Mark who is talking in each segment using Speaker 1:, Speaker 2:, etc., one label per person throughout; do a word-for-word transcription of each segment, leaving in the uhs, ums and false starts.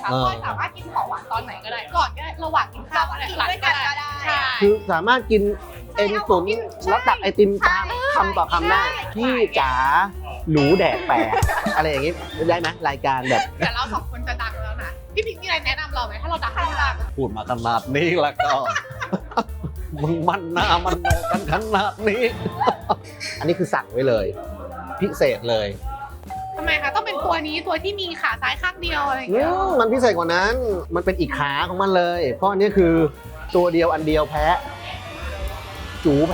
Speaker 1: พลอยสามารถกินของหวานตอนไหนก็ได้ก่อนก็ได้ระหว่างกินข้าวก็ได้หลังก็ได้ใช่
Speaker 2: คือสามารถกินเอ็นตุ๋นแล้วตักไอติมตามคำต่อคำได้พี่จ๋าหนูแดกแปะอะไรอย่างงี้ได้ไหมรายการแบบ
Speaker 1: แต่เราสองคนจะดังแล้วนะพี่พิงมีอะไรแนะนำเราไหมถ้าเราดังให้ดัง
Speaker 2: พูดมาขนาดนี้แล้วก็ มึงมันหน้ามันโนกันขนาดนี้ อันนี้คือสั่งไว้เลย พิเศษเลย
Speaker 1: ทำไมคะต้องเป็นตัวนี้ตัวที่มีขาซ้ายข้างเดียวอะไรอย่าง
Speaker 2: อื
Speaker 1: เงี้ย
Speaker 2: มมันพิเศษกว่านั้น มันเป็นอีกขาของมันเลย เพราะอันนี้คือตัวเดียวอันเดียวแพ้ จูแพ้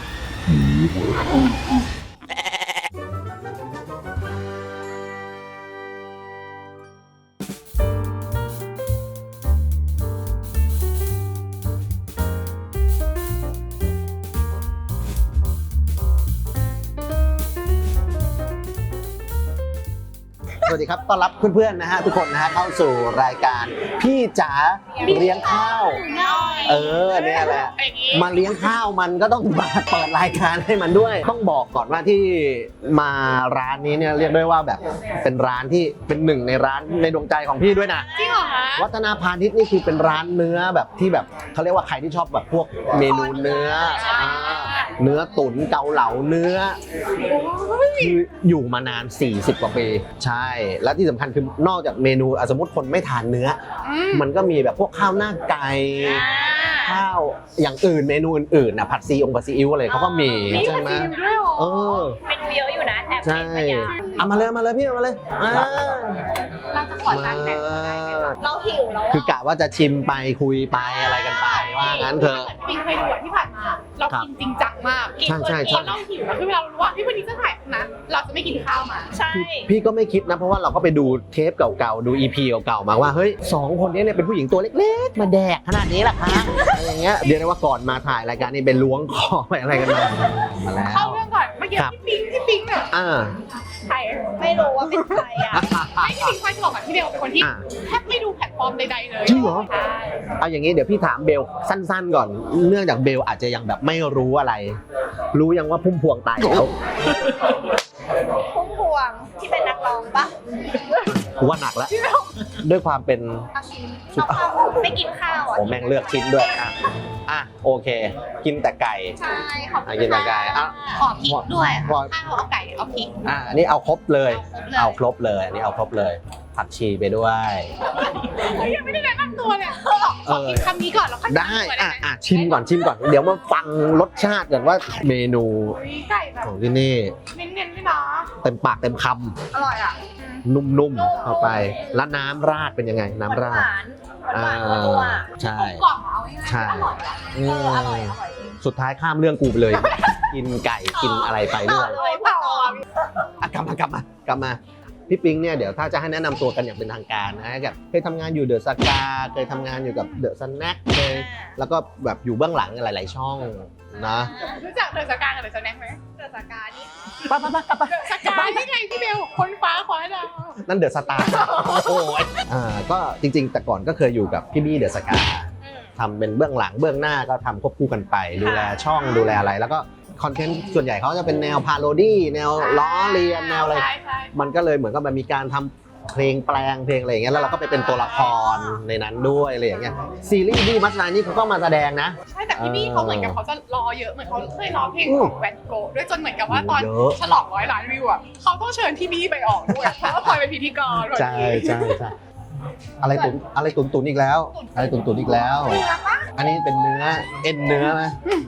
Speaker 2: สวัสดีครับ ต้อนรับเพื่อนๆนะฮะทุกคนนะฮะเข้าสู่รายการพี่จ๋าเลี้ยงข้าว เออเนี่ยแหละ มาเลี้ยงข้าวมันก็ต้องมาเปิดรายการให้มันด้วย ต้องบอกก่อนว่าที่มาร้านนี้เนี่ยเรียกได้ว่าแบบเป็นร้านที่เป็นหนึ่งในร้านในดวงใจของพี่ด้วยนะ
Speaker 1: จริงเหรอคะ
Speaker 2: วัฒนาพาณิชย์นี่คือเป็นร้านเนื้อแบบที่แบบเขาเรียกว่าใครที่ชอบแบบพวกเมนูเนื้ออ่าเนื้อตุ๋นเกาเหลาเนื้อคืออยู่มานานสี่สิบกว่าปีใช่และที่สำคัญคือนอกจากเมนูอ่ะสมมติคนไม่ทานเนื้อ
Speaker 1: อืม
Speaker 2: มันก็มีแบบพวกข้าวหน้าไก่ ข้าวอย่างอื่นเมนูอื่นๆนะผัดซีองผัดซีอิ๊วอะไรเขาก็มี
Speaker 1: มี
Speaker 2: ใช่
Speaker 1: ผัด
Speaker 2: ไหม
Speaker 1: ซีอิ๊วด้วยเหรอ
Speaker 2: เออ
Speaker 3: เมนูเยอะอยู่นะแอบ
Speaker 2: ใช่
Speaker 3: เห็นมาอย่าง
Speaker 2: เอามาเลยเอามาเลยพี่เอามาเลยอ่า
Speaker 1: เราจะขอจานแบ่งมาได้ไหมคะ
Speaker 3: เราหิวแล้ว
Speaker 2: คือกะว่าจะชิมไปคุยไปอะไรกันไปว่างั้นเถอะ
Speaker 1: ปิงเคยดูอะที่ผ่านมาเรากินจริงจังมาก
Speaker 2: ใช่ใช่ใช่
Speaker 1: ตอนเราหิวแล้วคือเวลาเรารู้ว่าพี่วันนี้จะถ่ายนะเราจะไม่กินข้าวมา
Speaker 3: ใช่
Speaker 2: พี่ก็ไม่คิดนะเพราะว่าเราก็ไปดูเทปเก่าๆดู อี พี เก่าๆมาว่าเฮ้ยสองคนนี้เนี่ยเป็นผู้หญิงตัวเล็กๆมาแดกขนาดนี้แหละคะอะไรอย่างเงี้ยเดี๋ยวนะว่าก่อนมาถ่ายรายการนี้เป็นล้วงคอไปอะไรกันมามาแล้ว
Speaker 1: เข้าเรื่องก่อนเมื่อกี้
Speaker 2: ครับ
Speaker 1: พี่ปิงพี่ปิงอ่ะ
Speaker 2: อ่า
Speaker 1: ใคร
Speaker 3: ไม่รู้ว่าเป็นใครอ่ะ
Speaker 1: ไม่พี่ปิงคอยจะบอกกับพี่เบลเป็นคนที่
Speaker 2: อ่า
Speaker 1: แทบไม่ดูแพลตฟอร์มใดๆเลย
Speaker 2: จริงเหรอ
Speaker 1: ใช่
Speaker 2: เอาอย่างนี้เดี๋ยวพี่ถามเบลสั้นๆก่อน เนื่องจากเบลอาจจะยังแบบไม่รู้อะไร รู้ยังว่าพุ่มพวงตายแล้ว
Speaker 3: พุ่มพวงที่เป็นนักร้องปะ
Speaker 2: กูว่าหนักแล้วด้วยความเป็น
Speaker 3: น้องทำไม่กินข้าวอ่ะ
Speaker 2: โอ้แม่งเลือกชิ้นด้วยอ่ะอ่ะโอเค กินแต่ไก่
Speaker 1: ใช่ขอบ
Speaker 2: อ่ะ
Speaker 1: คุ
Speaker 2: กิน
Speaker 1: ณ
Speaker 2: แต่ไก่อ่ะ
Speaker 1: ขอพริกด้วย
Speaker 2: พอ
Speaker 1: ข้าวเอาไก่เอาพริก
Speaker 2: อ่ะอันนี้เอาครบเลย
Speaker 1: เอา
Speaker 2: เอา
Speaker 1: ค
Speaker 2: ค
Speaker 1: ร
Speaker 2: ร
Speaker 1: บบ
Speaker 2: เลยอันนี้เอาครบเลยผักชีไปด้วย
Speaker 1: เลยยังไม่ได้แนะนำตัวเนี่ยขอขอกินคำนี้ก่อนแล้วค่อย
Speaker 2: ได้
Speaker 1: แนะนำตัว
Speaker 2: อ่ะ
Speaker 1: หม
Speaker 2: อ่ะชิมก่อนชิมก่อน เดี๋ยวมาฟังรสชาติก่อนว่าเมนู
Speaker 1: อุ๊ยไก่แบบ
Speaker 2: ของที่นี่
Speaker 1: เน้นๆด้วยนะ
Speaker 2: เต็มปากเต็มค
Speaker 1: อร่อยอ่ะ
Speaker 2: ำนุ่มๆเข้าไป แล้วน้ำราดเป็นยังไง น้ำราด
Speaker 3: หวานหวานหวานนัว
Speaker 2: ใช่
Speaker 1: กล่อมเอาง่ายๆ
Speaker 2: ใช่
Speaker 1: อร่อยอ่ะ
Speaker 2: อื
Speaker 3: เอ
Speaker 2: ม
Speaker 3: ออร่อยอร่อยจริง
Speaker 2: สุดท้ายข้ามเรื่องกูไปเลย กินไก่กินอะไรไป
Speaker 3: ต่
Speaker 2: ด้
Speaker 3: อ
Speaker 2: วย
Speaker 3: เลยต่อ
Speaker 2: อ่ะกลับมากลับมากลับมาพี่ปิงเนี่ยเดี๋ยวถ้าจะให้แนะนำตัวกันอย่างเป็นทางการนะแบบเคยทำงานอยู่เดอะสกาเคยทำงานอยู่กับเดอะสแน็คเคยแล้วก็แบบอยู่เบื้องหลังหลาย ๆ ช่องนะ
Speaker 1: รู้จักเดอะสกากับเดอะสแน็คไหม
Speaker 3: เกิดจากการนี่
Speaker 2: ไปไปไปกลับไป
Speaker 1: เดอะสกานี่ไงพี่เบลคนฟ้าคว้าดาว
Speaker 2: นั่นเดอะสตาร์โอ้ยอ่าก็จริง ๆ แต่ก่อนก็เคยอยู่กับพี่บี้เดอะสกาทำเป็นเบื้องหลังเบื้องหน้าก็ทำควบคู่กันไป ดูแลช่องดูแลอะไร แล้วก็คอนเทนต์ส่วนใหญ่เขาจะเป็นแนวพาโรดี้แนวล้อเลียนแนวอะไร
Speaker 1: ใช่ใช่
Speaker 2: มันก็เลยเหมือนกับมันมีการทำเพลงแปลงเพลงอะไรอย่างเงี้ยแล้วเราก็ไปเป็นตัวละครในนั้นด้วยอะไรอย่างเงี้ยซีรีส์บี้มัสนานี่เขาก็มาแสดงนะ
Speaker 1: ใช่แต่พี่บี้เขาเหมือนกับเขาจะรอเยอะเหมือนเขาเคยร้องเพลงของแวนโกะด้วยจนเหมือนกับว่าตอน
Speaker 2: เยอะ
Speaker 1: ฉลองร้อยล้านวิวอ่ะเขาต้องเชิญพี่บี้ไปออกด้วยเพราะว่าพลอยเป็นพิธีกร
Speaker 2: ใช่ใช่ใช่อะไรตุนอะไรตุนตุนอีกแล้ว อะไรตุนตุนอีกแล้ว อันนี้เป็นเนื้อเอ็นเนื้อนะ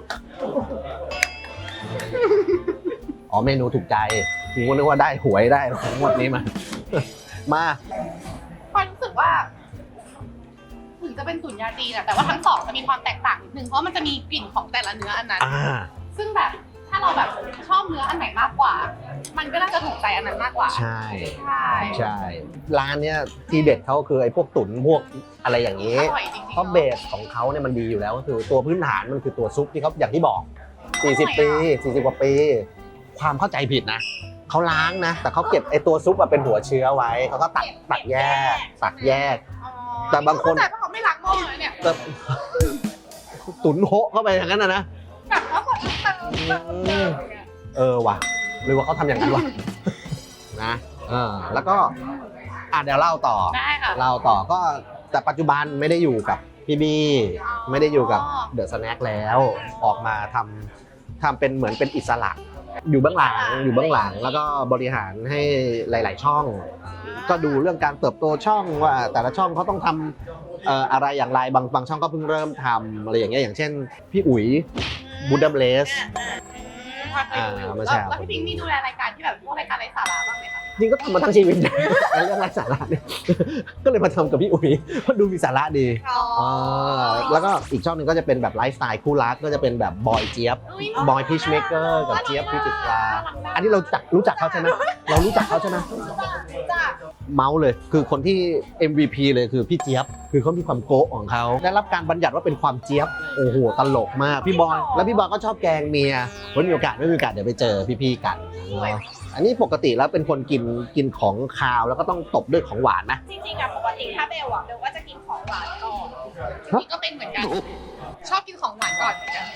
Speaker 2: อ๋อเมนูถูกใจกูก็นึกว่าได้หวยได้ของงวดนี้มา มา
Speaker 1: พลอยรู้สึกว่าถึงจะเป็นตุ๋นยาจีนอะแต่ว่าทั้งสองจะมีความแตกต่างนิดนึงเพราะมันจะมีกลิ่นของแต่ละเนื้ออันนั้น
Speaker 2: อ่า
Speaker 1: ซึ่งแบบถ้าเราแบบชอบเนื้ออันไหนมากกว่า มันก็น่าจะถูกใจอันนั้นมากกว่า
Speaker 2: ใช่
Speaker 1: ใช่
Speaker 2: ใช่ร้านเนี้ยที่เด็ดเขาคือไอ้พวกตุ๋นพวกอะไรอย่างนี้
Speaker 1: อร่อยจริงๆ
Speaker 2: เพราะเบสของเขาเนี่ยมันดีอยู่แล้วก็คือตัวพื้นฐานมันคือตัวซุปที่เขาอย่างที่บอก สี่สิบ ปี สี่สิบ กว่าปี ความเข้าใจผิดนะเขาล้างนะ แต่เขาเก็บไอ้ตัวซุปอะเป็นหัวเชื้อไว้เขาก็ตักตักแยกตักแยก
Speaker 1: อ๋อ
Speaker 2: แต่บางคน
Speaker 1: เข้ใจว่าเขาไม่ล้างหม้อเลยเนี่ย
Speaker 2: แบบตุ๋นโฮะเข้าไปอย่างนั้นนะนะ
Speaker 1: แบบเขากดเติมเติมเติมอย่างเงี้ย
Speaker 2: เออว่ะหรือว่าเขาทำอย่างนั้นวะ นะเออแล้วก็อ่ะเดี๋ยวเล่าต่อ
Speaker 1: ได้ค่ะ
Speaker 2: เล่าต่อก็แต่ปัจจุบันไม่ได้อยู่กับพี่บี้
Speaker 1: อ๋อ
Speaker 2: ไม่ได้อยู่กับเดอะสแน็คแล้วออกมาทำทำเป็นเหมือนเป็นอิสระ อยู่เบื้องหลังอยู่เบื้องหลังแล้วก็บริหารให้หลาย ๆ ช่อง ก็ดูเรื่องการเติบโตช่องว่าแต่ละช่องเขาต้องทำเอ่ออะไรอย่างไรบางบางช่องก็เพิ่งเริ่มทำอะไรอย่างเงี้ยอย่างเช่นพี่อุ๋ยบูดัมเลส
Speaker 1: อ่า
Speaker 2: อ่ามา
Speaker 1: แล้ว
Speaker 2: แชร์
Speaker 1: แล้วพี่พิงค์มีดูแลรายการที่แบบพวกรายการไร้สาระบ้างไหมคะ
Speaker 2: จริงก็ทำมาทั้งชีวิต ไอ้เรื่องไร้สาระเนี่ย ก็เลยมาทำกับพี่อุ๋ยเพราะดูมีสาระดี
Speaker 3: อ๋อ
Speaker 2: อ่าแล้วก็อีกช่องหนึ่งก็จะเป็นแบบไลฟ์สไตล์คู่รักก็จะเป็นแบบบอยเจี๊ยบ
Speaker 1: อุ๊ย
Speaker 2: บอยพีชเมเกอร์กับเจี๊ยบพิจิตราอันนี้เราจักรู้จักเขาใช่ไหมเรารู้จักเขาใช่ไหม
Speaker 3: จ้ะ
Speaker 2: เมาส์เลยคือคนที่ เอ็ม วี พี เลยคือพี่เจี๊ยบคือเขามีความโก๊ะของเขาได้รับการบัญญัติว่าเป็นความเจี๊ยบโอ้โหตลกมากพี่บอยแล้วพี่บอยก็ชอบแกล้งเมียวันมีโอกาสไม่มีโอกาสเดี๋ยวไปเจอพี่ๆกันเนาะอันนี้ปกติแล้วเป็นคนกินกินของคาวแล้วก็ต้องตบด้วยของหวานนะ
Speaker 3: จริงๆอะปกติถ้าเบลอะเบลก็จะกินของหวานก่อน
Speaker 1: นี่ก็เป็นเหมือนกัน ชอบกินของหวานก่อนเหมือนกัน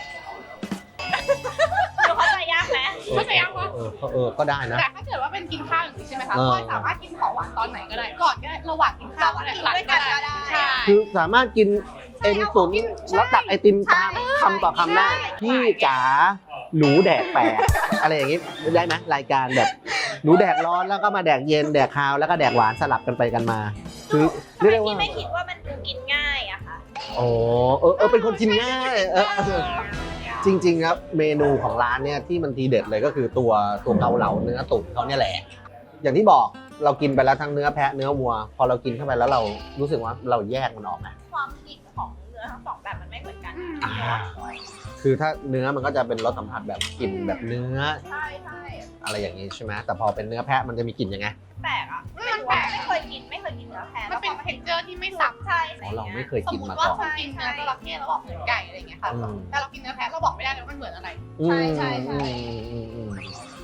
Speaker 3: เบลเข้าใจยากไหม
Speaker 1: เข้าใจยังวะ
Speaker 2: เออเออเออก็ได้นะ
Speaker 1: แต่ถ้าเกิดว่าเป็นกินข้าวอย่างนี้ใช่ไหมคะ
Speaker 2: เออ
Speaker 1: พลอยสามารถกินของหวานตอนไหนก็ได้ ก่อนก็ได้ ระหว่างกินข้าวก็ได้หลังก็ได้ใช่
Speaker 2: คือสามารถกินเอ็นตุ๋นแล้วตักไอติมตามคำต่อคำได้พี่จ๋าหนูแดกแปลกอะไรอย่างงี้ได้ไหมรายการแบบหนูแดกร้อนแล้วก็มาแดกเย็นแดกคาวแล้วก็แดกหวานสลับกันไปกันมา คือเรียกได้
Speaker 3: ที่
Speaker 2: ว่า
Speaker 3: ไม่คิดว่ามันดูกินง่ายอะค่ะ
Speaker 2: โอ้เออเออเป็นคนกินง่ายเออเออจริงๆครับเมนูของร้านเนี่ยที่มันทีเด็ดเลยก็คือตัวตัวเกาเหลาเนื้อตุ๋นเขาเนี่ยแหละ อย่างที่บอกเรากินไปแล้วทั้งเนื้อแพะเนื้อวัว พอเรากินเข้าไปแล้วเรารู้สึกว่าเราแยกมันออกนะ
Speaker 3: ความกลิ่นของเนื้อทั้งสองแบบมันไม่เหมือนกัน
Speaker 2: อ่า คือถ้าเนื้อมันก็จะเป็นรสสัมผัสแบบกลิ่นแบบเนื้อ
Speaker 3: ใช่ใช่
Speaker 2: อะไรอย่างนี้ใช่ไหมแต่พอเป็นเนื้อแพะมันจะมีกลิ่นยังไง
Speaker 3: แปลกอะไม่รู้ว่าไม่เคยกินไม่เคยกินเนื้อแพะ
Speaker 1: มันเป็นเท็กเจอร์ที่ไม่ซ้ำ
Speaker 3: ใช่
Speaker 2: อ๋อเราไม่เคย
Speaker 1: สม
Speaker 2: กิน
Speaker 1: ม
Speaker 2: มา
Speaker 1: ติว่า
Speaker 2: ก่อน
Speaker 1: คนกินเนื้อจระเข้แล้วบอกเหมือนไก่อะไรอย่างเงี้ยค่ะ
Speaker 2: อืม
Speaker 1: แต่เรากินเนื้อแพะเราบอกไม่ได้เลยว่ามันเหมือนอะไร
Speaker 2: อืม
Speaker 3: ใช่ใช่ใช่
Speaker 2: อืมอืม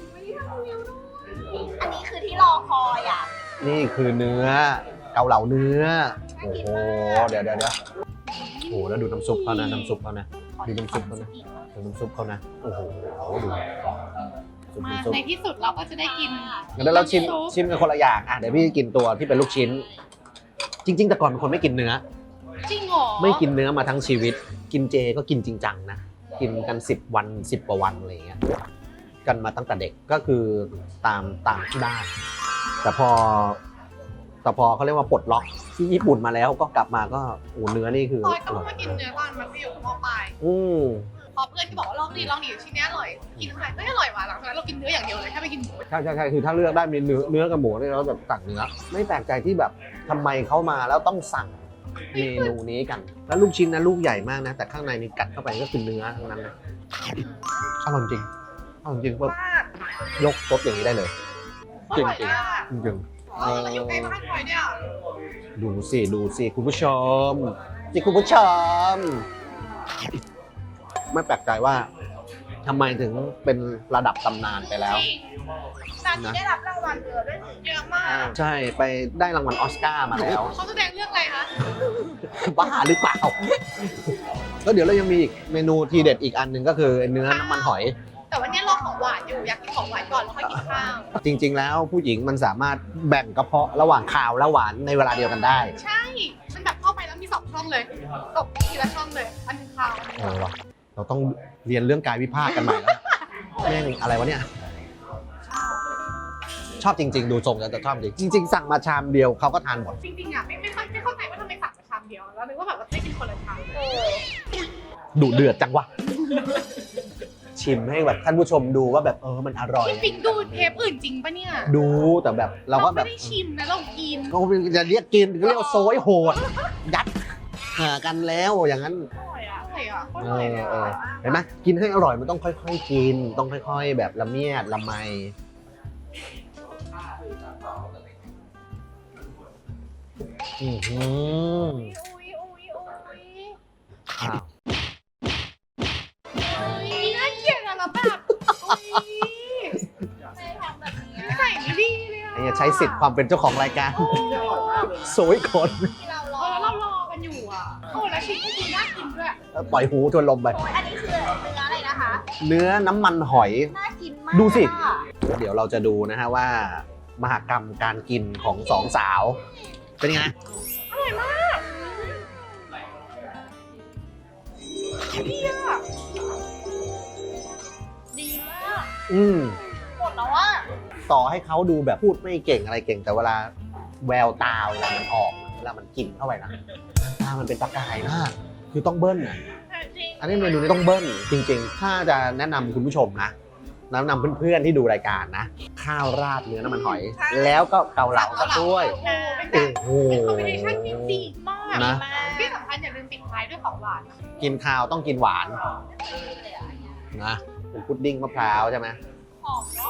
Speaker 3: อันนี้คือที่รอคอยอะ
Speaker 2: นี่คือเนื้อเกาเหลาเนื้อโอ้โหเดี๋ยวเดี๋ยวเดี๋ยวโอ้โหแล้วดูน้ำซุปเขานะน้ำซุปเขานะดูน้ำซุปเขานะดูน้ำซุปเขานะโอ้โหดูซุป
Speaker 1: มา
Speaker 2: น้ำซุป
Speaker 1: ในที่สุดเราก็จะได้กิน
Speaker 2: งั้นเดี๋ยวเราชิมชิมกันคนละอย่างอ่ะเดี๋ยวพี่กินตัวที่เป็นลูกชิ้น จริง ๆ แต่ก่อนเป็นคนไม่กินเนื้อ
Speaker 1: จริงเหรอ
Speaker 2: ไม่กินเนื้อมาทั้งชีวิต กินเจก็กินจริงจังนะ กินกันสิบวันสิบกว่าวันอะไรอย่างเงี้ย กันมาตั้งแต่เด็กก็คือตามตามที่บ้าน แต่พอแต่พอเขาเรียกว่าปลดล็อกที่ญี่ปุ่นมาแล้วก็กลับมาก็โอ้เนื้อนี่คือ
Speaker 1: พลอย
Speaker 2: อ
Speaker 1: ก็
Speaker 2: ร่อย
Speaker 1: มากินเนื้อตอนมันไปอยู่มปลาย
Speaker 2: อืม
Speaker 1: พอเพื่อนที่บอกว่าลองดีลองดีชิ้นนี้อร่อย กินไปก็อร่อยว่ะหลังจากนั้นเรากินเนื้ออย่างเดียวเลยถ้าไม่กินหมู
Speaker 2: ใช่ใช่ใช่คือถ้าเลือกได้มีเนื้อเนื้อกับหมูเนี่ยเราแบบสั่งเนื้อ ไม่แปลกใจที่แบบทำไมเขามาแล้วต้องสั่งเมนูนี้กัน แล้วลูกชิ้นนะลูกใหญ่มากนะ แต่ข้างในนี่กัดเข้าไปก็คือเนื้อทั้งนั้นนะอร่อยจริงอร่อยจริงปุ๊บ
Speaker 3: มาก
Speaker 2: ยกซดอย่างนี้ได้เลย จริงจริงจริงจริง
Speaker 1: เออแล้วอยู่ใกล้บ้านพลอยเนี่ย
Speaker 2: ดูสิดูสิคุณผู้ชมสิคุณผู้ชม ไม่แปลกใจว่าทำไมถึงเป็นระดับตำนานไปแล้ว
Speaker 1: จริง
Speaker 3: ตอนนี้ได้รับรางวัลเยอะด้วย
Speaker 1: เยอะมาก
Speaker 2: ใช่ไปได้รางวัลออสการ์มาแล้ว
Speaker 1: เขาแสดงเรื่องอะไรคะ
Speaker 2: บ้าหรือเปล่าแล้วเดี๋ยวเรายังมีอีกเมนูทีเด็ดอีกอันหนึ่งก็คือเนื้อน้ำมันหอย
Speaker 1: แต่วันนี้รอของหวานอยู่อยากกินของหวานก่อนแล้วค่อยกินข้าว
Speaker 2: จริง ๆ แล้วผู้หญิงมันสามารถแบ่งกระเพาะระหว่างคาวและหวานในเวลาเดียวกันได้
Speaker 1: ใช่ มันแบบเข้าไปแล้วมีสองช่องเลยตกทีละช่องเลย อันหนึงข้าวอันหนึง
Speaker 2: เออว่ะเราต้องเรียนเรื่องกายวิภาคกันใหม่แล้วแม่งอะไรวะเนี่ย ชอบจริง ๆ ดูทรงแล้วจะชอบจริงจริง ๆ สั่งมาชามเดียวเขาก็ทานหมด
Speaker 1: จริงๆอ่ะไม่ไม่ค่อยไม่เข้าใจว่าทำไมสั่งแต่ชามเดียว แล้วนึกว่าแบบว่าได้กินคนละชาม
Speaker 3: เออ
Speaker 2: ดุเดือดจังวะ ชิมให้แบบท่านผู้ชมดูว่าแบบเออมันอร่อย
Speaker 1: พี่ปิ๊กดูเทปอื่นจริงปะเนี่ย
Speaker 2: ดูแต่แบบเราก็แบ
Speaker 1: ไม่
Speaker 2: บ
Speaker 1: ได้ชิมนะเรากิน
Speaker 2: ก็จะเรียกกินก็เรียกว่าโซยโหด ยัดหากันแล้วอย่างนั้น
Speaker 3: อร่อยอะ
Speaker 1: อร่อยอ่ะโคตร
Speaker 2: เอ
Speaker 1: อร่อย
Speaker 2: อ
Speaker 1: เลย
Speaker 2: เออ
Speaker 1: อะ
Speaker 2: เห็นไหมกินให้อร่อยมันต้องค่อยๆกิน ต้องค่อยๆ แบบละเมียดละไมอือหือ
Speaker 3: อุ้ยอุ้ยอุ้ย
Speaker 2: อ้าว
Speaker 1: นี่น่าเกลียดอะแล้วแบบอุ๊ย
Speaker 3: ไม่ทำแบบนี้
Speaker 1: ใส่ไม่ดีเลยอะ
Speaker 2: ไอ้เนี่ยใช้สิทธิ์ความเป็นเจ้าของรายการโซยคน
Speaker 3: ที่เราร
Speaker 1: เอ
Speaker 3: อ
Speaker 1: อเรารอกันอยู่อ่ะโอ้แล้วชิ้นก็คือน่ากินด้วย
Speaker 2: ปล่อยหูทวนลมไป
Speaker 3: โอ้ยอันนี้คือเนื้ออะไรนะคะ
Speaker 2: เนื้อน้ำมันหอย
Speaker 3: น่ากินมาก
Speaker 2: ดูสิ
Speaker 3: อะ
Speaker 2: เดี๋ยวเราจะดูนะฮะว่ามหกรรมการกินของสองสาว เป็นไง
Speaker 1: อร่อยมากดีอะดีมาก
Speaker 2: อืม
Speaker 1: หมดแล้วว่า
Speaker 2: ต่อให้เขาดูแบบพูดไม่เก่งอะไรเก่ง แต่เวลาแววตาเวลามันออกเวลามันกินเข้าไปนะตามันเป็นประกายมากคือต้องเบิ้ลนะ
Speaker 1: จริง
Speaker 2: อันนี้เมนูนี้ต้องเบิ้ลจริงๆ ถ้าจะแนะนำคุณผู้ชมนะแนะนำเพื่อนๆที่ดูรายการนะ ข้าวราดเนื้อน้ำมันหอย แล้วก็เกาเหลากับด้วย
Speaker 1: โอ้
Speaker 2: โอ้โห
Speaker 1: เป็นคอมบิเนชั่นที่ดีมาก
Speaker 2: นะ
Speaker 1: ที่สำคัญอย่าลืมปิดท้ายด้วยของหวาน
Speaker 2: กินข้าวต้องกินหวานนะเป็นพุดดิ้งมะพร้าวใช่ไหม
Speaker 1: หอมเนาะ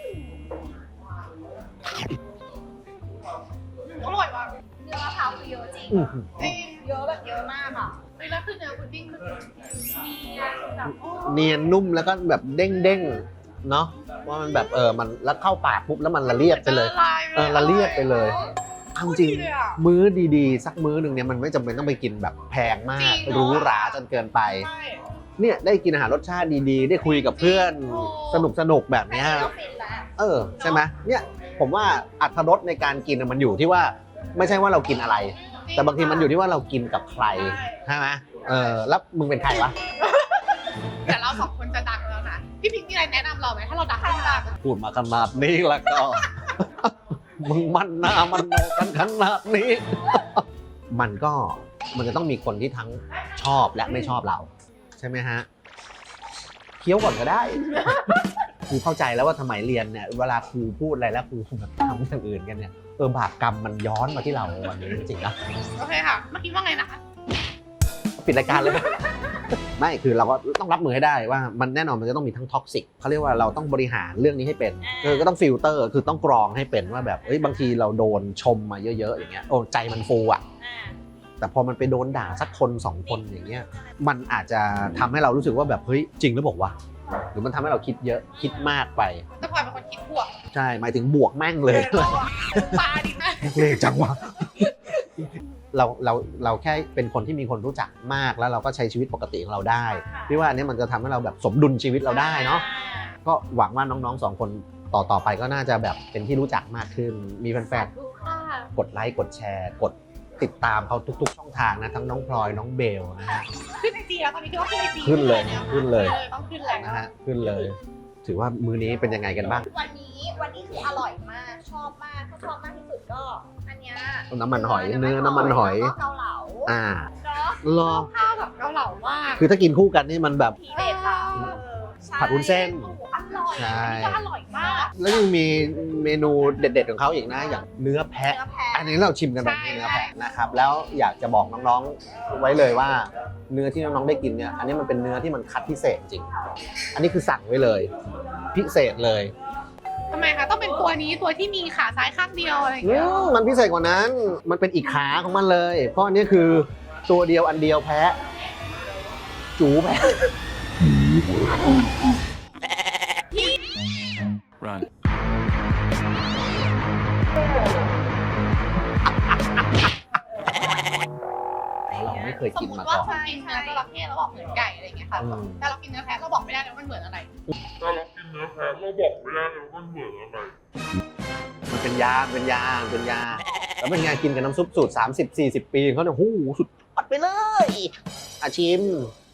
Speaker 1: อร่อยว่ะ
Speaker 3: เนื้อมะพร้าวคือเยอะจริง
Speaker 2: อื้อหือ
Speaker 1: จริง
Speaker 3: เยอะแบบเยอะมากอ่ะ
Speaker 1: แล้วคือเนื้อพุดดิ้งคือเนียนแบบโอ้
Speaker 2: เนียนนุ่มแล้วก็แบบเด้งๆเนาะว่ามันแบบเออมันแล้วเข้าปากปุ๊บแล้วมันละเลียดไปเลย เออละเลียดไปเลยเอาจริงมื้อดีๆ สักมื้อหนึ่งเนี่ยมันไม่จำเป็นต้องไปกินแบบแพงมากหรูหราจนเกินไป
Speaker 1: ใช่
Speaker 2: เนี่ยได้กินอาหารรสชาติดีๆ ได้คุยกับเพื่อนสนุกสนุกๆแบบเนี้ย
Speaker 3: ก็ฟินแล้ว
Speaker 2: เออใช่ไหมเนี่ยผมว่าอรรถรสในการกินน่ะมันอยู่ที่ว่าไม่ใช่ว่าเรากินอะไร แต่บางทีมันอยู่ที่ว่าเรากินกับใครใช่ไหมเออแล้วมึงเป็นใครวะ
Speaker 1: แต่เราสองคนจะดังแล้วนะพี่พิงค์มีอะไรแนะนำเราไหมถ้าเราดังขึ้นมา
Speaker 2: พูดมาขนาดนี้แล้วก็ มึงมันหน้ามันโนกันขนาดนี้ มันก็มันจะต้องมีคนที่ทั้งชอบและไม่ชอบเรา ใช่ไหมฮะเคี้ยวก่อนก็ได้ ครูเข้าใจแล้วว่าทำไมเรียนเนี่ยเวลาครูพูดอะไรแล้วครูแบบทำอย่างอื่นกันเนี่ยเออบาปกรรมมันย้อนมาที่เราวันนี้จริงๆนะ
Speaker 1: โอเคค่ะเมื่อกี้ว่าไงนะคะ
Speaker 2: ปิดรายการเลย ไม่คือเราก็ต้องรับมือให้ได้ว่ามันแน่นอนมันจะต้องมีทั้งท็อกซิกเขาเรียกว่าเราต้องบริหารเรื่องนี้ให้เป็นเออก็ต้องฟิลเตอร์คือต้องกรองให้เป็นว่าแบบเอ้ยบางทีเราโดนชมมาเยอะๆอย่างเงี้ยโอ้ใจมันฟูอ่ะ
Speaker 3: อ่า
Speaker 2: แต่พอมันไปโดนด่าสักคนสองคนอย่างเงี้ยมันอาจจะทำให้เรารู้สึกว่าแบบเฮ้ยจริงหรือบอกว่าหรือมันทำให้เราคิดเยอะคิดมากไป
Speaker 1: แต่พลอยเป็นคนคิดบวก
Speaker 2: ใช่หมายถึงบวกแม่งเลย
Speaker 1: ปลาดีนะ
Speaker 2: เลยจังวะ เราเราเราแค่เป็นคนที่มีคนรู้จักมากแล้วเราก็ใช้ชีวิตปกติของเราได้พี่ว่าอันนี้มันจะทำให้เราแบบสมดุลชีวิตเราได้เนาะก็หวังว่าน้องๆสองคนต่อต่อไปก็น่าจะแบบเป็นที่รู้จักมากขึ้น มีแฟน
Speaker 1: ดูค่ะ
Speaker 2: ๆกดไลค์กดแชร์กดติดตามเขาทุกๆช่องทางนะทั้งน้องพลอยน้องเบลนะฮะ
Speaker 1: ขึ้นไอจีแล้วตอนนี้ก็ขึ้นไอจี
Speaker 2: ขึ้นเลยขึ้นเลย
Speaker 1: ต้องขึ้นแล้ว
Speaker 2: นะฮะขึ้นเลย ถือว่ามื้อนี้เป็นยังไงกันบ้าง
Speaker 3: วันนี้วันนี้คืออร่อยมากชอบมากถ้าชอบมากที่สุดก็อันเนี้ย
Speaker 2: น้ำมันหอยเนื้อน้ำมันหอย
Speaker 3: แล้วก็เกาเหลา
Speaker 2: อ่า
Speaker 3: เนาะ
Speaker 2: รอ
Speaker 1: ข้าวกับเกาเหลามาก
Speaker 2: คือถ้ากินคู่กันนี่มันแบบ
Speaker 3: ทีเด็ดค่ะเออใช่
Speaker 2: ผัดวุ้นเส้น
Speaker 1: โอ้โหอร่อย
Speaker 2: ใช่
Speaker 1: อันนี้ก็อร่อยมาก
Speaker 2: แล้วยังมีเมนูเด็ดๆของเขาอีกนะอย่างเนื้อแพะ
Speaker 3: เนื้อแพะ
Speaker 2: อันนี้เราชิมกันแบบเนื้อแพะนะครับแล้วอยากจะบอกน้องๆไว้เลยว่า เนื้อที่น้องๆได้กินเนี่ยอันนี้มันเป็นเนื้อที่มันคัดพิเศษจริง อันนี้คือสั่งไว้เลย พิเศษเลย
Speaker 1: ทำไมคะต้องเป็นตัวนี้ตัวที่มีขาซ้ายข้างเดียวอะไรอย่าง
Speaker 2: อื
Speaker 1: เงี้ย
Speaker 2: มมันพิเศษกว่านั้นมันเป็นอีกขาของมันเลย เพราะอันนี้คือตัวเดียวอันเดียวแพะจูแพะ
Speaker 4: Run.
Speaker 2: เราไม่เคย
Speaker 1: สม
Speaker 2: กิน
Speaker 1: ม
Speaker 2: มา
Speaker 1: ติว่า
Speaker 2: ก่อน
Speaker 1: คนกินเนื้อจระเข้แล้วบอกเหมือนไก่อะไรอย่างเงี้ยค่ะ
Speaker 2: อืม
Speaker 1: แต่เรากินเนื้อแพะเราบอกไม่ได้เลยว่ามันเหมือนอะไร
Speaker 4: ถ้าเรากินเนื้อแพะเราบอกไม่ได้เลยว่ามันเหมือนอะไร
Speaker 2: มันเป็นยาเป็นยาเป็นยาแล้วเป็นไงกินกับน้ำซุปสูตรสามสิบ สี่สิบปีเขาเนี่ยหูสุดยอดไปเลยอาชิม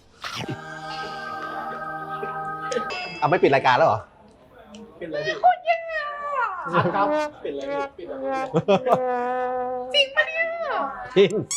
Speaker 2: เอาไม่ปิดรายการแล้วเหรอ
Speaker 5: เป็นอะไรพี่
Speaker 1: โคตรแย่อะ
Speaker 5: ครับเป็นอะไรพี่เป็นอะไร
Speaker 1: จริงปะเนี่ย
Speaker 2: จริง